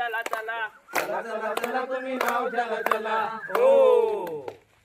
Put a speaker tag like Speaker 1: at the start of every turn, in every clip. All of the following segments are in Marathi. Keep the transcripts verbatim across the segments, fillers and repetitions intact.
Speaker 1: चला चला
Speaker 2: चला चला चला तुम्ही नाव चला चला.
Speaker 1: हो.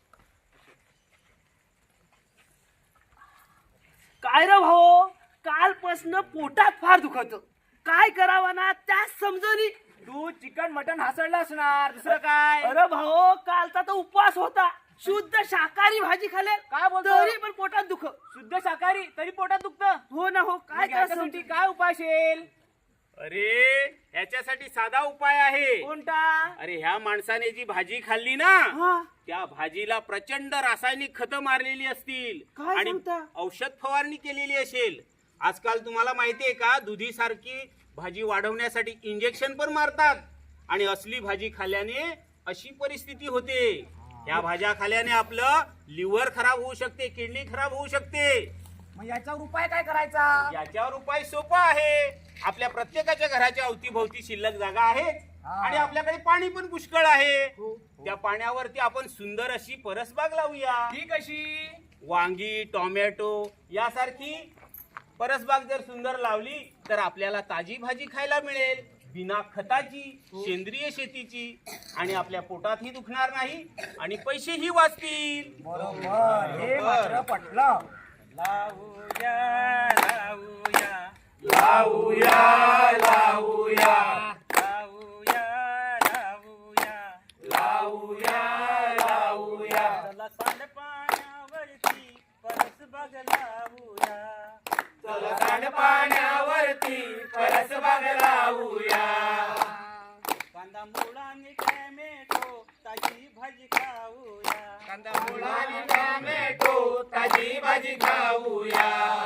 Speaker 1: काय रे भाऊ, कालपासनं पोटात फार दुखत, काय करावं ना त्याच समजणी.
Speaker 3: तू चिकन मटन हासडला असणार, दुसरं काय?
Speaker 1: अरे भाऊ, कालचा तर उपवास होता, शुद्ध शाकाहारी भाजी खाल्ली,
Speaker 3: काय बोलतो?
Speaker 1: तरी पण पोटात दुख.
Speaker 3: शुद्ध शाकाहारी तरी पोटात दुखतं?
Speaker 1: हो ना हो, काय
Speaker 3: त्याच्यासाठी काय उपाय असेल?
Speaker 4: अरे याच्यासाठी साधा उपाय आहे.
Speaker 3: कोणता?
Speaker 4: अरे ह्या माणसाने जी भाजी खाल्ली ना,
Speaker 1: हा,
Speaker 4: त्या भाजीला प्रचंड रासायनिक खतं मारलेली असतील
Speaker 1: काय
Speaker 4: आणि
Speaker 1: सांगता?
Speaker 4: औषध फवारणी केलेली असेल. आजकाल तुम्हाला माहितीये का, दुधी सारखी भाजी वाढवण्यासाठी इंजेक्शन पण मारतात आणि असली भाजी खाल्ल्याने अशी परिस्थिती होते. या भाज्या खाल्ल्याने आपलं लिव्हर खराब होऊ शकते, किडनी खराब होऊ शकते.
Speaker 3: मग याच्यावर उपाय काय करायचा?
Speaker 4: याच्यावर उपाय सोपा आहे. आपल्या प्रत्येकाच्या घराच्या अवतीभोवती शिल्लक जागा आहे आणि आपल्याकडे पाणी पण पुष्कळ आहे. त्या पाण्यावरती आपण सुंदर अशी परसबाग लावूया.
Speaker 3: ती कशी?
Speaker 4: वांगी, टोमॅटो यासारखी परसबाग जर सुंदर लावली तर आपल्याला ताजी भाजी खायला मिळेल, बिना खताची, सेंद्रिय शेतीची, आणि आपल्या पोटातही दुखणार नाही आणि पैसेही वाचतील.
Speaker 3: बरोबर, हे मात्र पटलं.
Speaker 1: लावूया लावूया
Speaker 2: लावूया लावूया
Speaker 1: लावूया लावूया
Speaker 2: लावूया लावूया.
Speaker 1: चला सांडपाण्यावरती परसबाग लावूया.
Speaker 2: चला सांडपाण्यावरती परसबाग लावूया.
Speaker 1: कांदा मुळाने टॅमेटो ताजी भाजी खाऊया.
Speaker 2: कांदा मुळाने टोमॅटो ताजी भाजी खाऊया.